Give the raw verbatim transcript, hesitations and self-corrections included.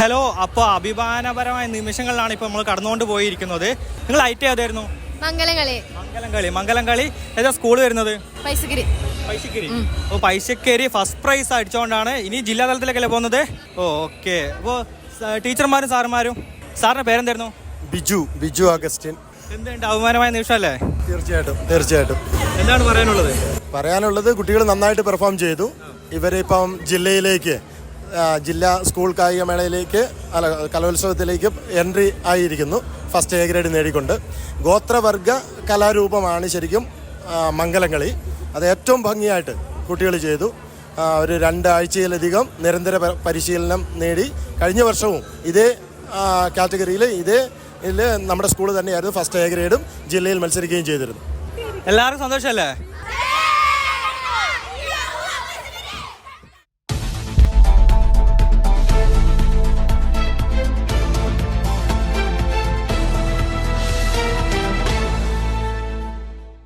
Hello, അപ്പോൾ അഭിമാനപരമായ നിമിഷങ്ങളിലാണ് ഇപ്പോൾ നമ്മൾ കടന്നുകൊണ്ട് പോയിരിക്കുന്നത്. നിങ്ങൾ ഐറ്റ് ഏതായിരുന്നു? മംഗലംകളി. മംഗലംകളി മംഗലംകളി ഏതാ സ്കൂൾ വരുന്നത്? പൈസക്കിരി. പൈസക്കിരി. ഓ, പൈസക്കേരി ഫസ്റ്റ് പ്രൈസ് അടിച്ചുകൊണ്ടാണ് ഇനി ജില്ലാ തലത്തിലേക്കല്ലേ പോകുന്നത്? Oh okay. അപ്പോൾ ടീച്ചർമാരും സാറുമാരും. സാറിന്റെ പേരെന്തായിരുന്നു? ബിജു ബിജു അഗസ്റ്റിൻ. എന്തുണ്ട്, അഭിമാനമായ നിമിഷമല്ലേ? തീർച്ചയായിട്ടും തീർച്ചയായിട്ടും. എന്താണ് പറയാനുള്ളത്? പറയാനുള്ളത് കുട്ടികൾ നന്നായിട്ട് പെർഫോം ചെയ്തു. ഇവരിപ്പം ജില്ലയിലേക്ക് ജില്ലാ സ്കൂൾ കായികമേളയിലേക്ക് അല്ല കലോത്സവത്തിലേക്ക് എൻട്രി ആയിരിക്കുന്നു, ഫസ്റ്റ് എ ഗ്രേഡ് നേടിക്കൊണ്ട്. ഗോത്രവർഗ കലാരൂപമാണ് ശരിക്കും മംഗലംകളി. അത് ഏറ്റവും ഭംഗിയായിട്ട് കുട്ടികൾ ചെയ്തു. ഒരു രണ്ടാഴ്ചയിലധികം നിരന്തര പരിശീലനം നേടി. കഴിഞ്ഞ വർഷവും ഇതേ കാറ്റഗറിയിൽ ഇതേ ഇതിൽ നമ്മുടെ സ്കൂൾ തന്നെയായിരുന്നു ഫസ്റ്റ് എ ഗ്രേഡും ജില്ലയിൽ മത്സരിക്കുകയും ചെയ്തിരുന്നു. എല്ലാവർക്കും സന്തോഷമല്ലേ?